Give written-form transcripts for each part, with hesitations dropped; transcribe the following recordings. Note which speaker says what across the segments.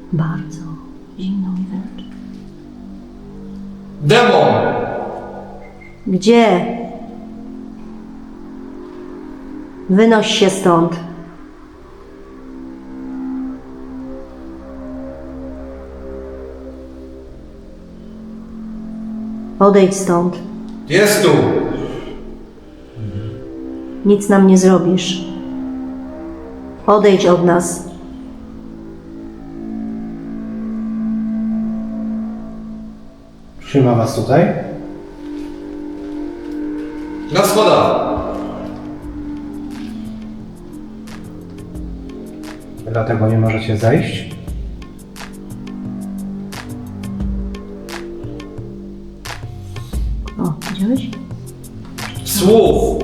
Speaker 1: Bardzo zimno mi wręcz.
Speaker 2: Demon!
Speaker 1: Gdzie? Wynoś się stąd. Odejdź stąd.
Speaker 2: Jest tu!
Speaker 1: Nic nam nie zrobisz. Odejdź od nas.
Speaker 3: Trzyma was tutaj?
Speaker 2: Na schodach!
Speaker 3: Dlatego nie możecie zejść?
Speaker 1: O, widziałeś?
Speaker 2: Słów!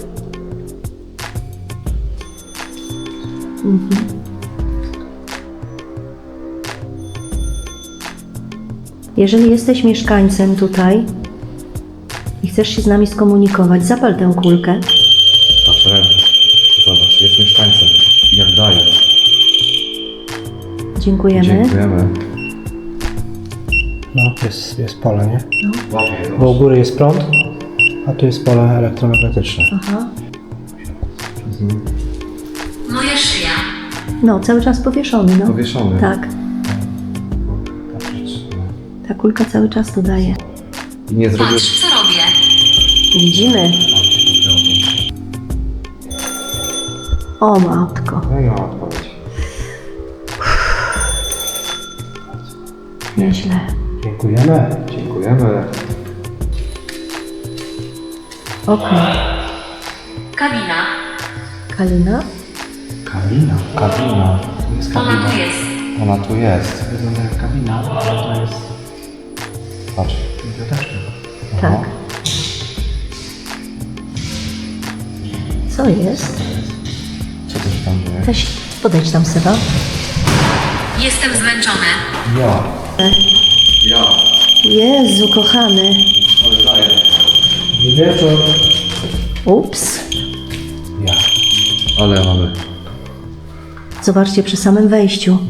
Speaker 1: Jeżeli jesteś mieszkańcem tutaj i chcesz się z nami skomunikować, zapal tę kulkę.
Speaker 2: Patrz, zobacz, jest mieszkańcem. Jak daje.
Speaker 1: Dziękujemy.
Speaker 2: Dziękujemy.
Speaker 3: No, jest pole, nie?
Speaker 2: Łapie.
Speaker 3: Bo u góry jest prąd, a tu jest pole elektromagnetyczne.
Speaker 1: Aha.
Speaker 4: Moja szyja.
Speaker 1: No, cały czas powieszony, no.
Speaker 2: Powieszony.
Speaker 1: Tak, ta kulka cały czas tu daje.
Speaker 2: I nie zrobił...
Speaker 4: Patrz, co robię.
Speaker 1: Widzimy. O matko.
Speaker 2: No i ma odpowiedź.
Speaker 1: Nieźle.
Speaker 3: Dziękujemy.
Speaker 2: Dziękujemy.
Speaker 1: Okej.
Speaker 4: Kabina.
Speaker 1: Kalina?
Speaker 3: Kabina.
Speaker 2: Kabina. Jest
Speaker 4: Ona
Speaker 2: kabina.
Speaker 4: tu jest.
Speaker 2: Ona tu jest.
Speaker 3: Wygląda jak kabina, ale to jest
Speaker 2: Patrz.
Speaker 3: biblioteczka.
Speaker 1: Tak. Co jest?
Speaker 2: Co to się tam dzieje?
Speaker 1: Weź, podejdź tam, Seba.
Speaker 4: Jestem zmęczony.
Speaker 2: Ja. Ja.
Speaker 1: Jezu, kochany.
Speaker 2: Ale daję.
Speaker 3: Wieczór.
Speaker 1: Ups.
Speaker 3: Ja.
Speaker 2: Ale mamy.
Speaker 1: Zobaczcie, przy samym wejściu.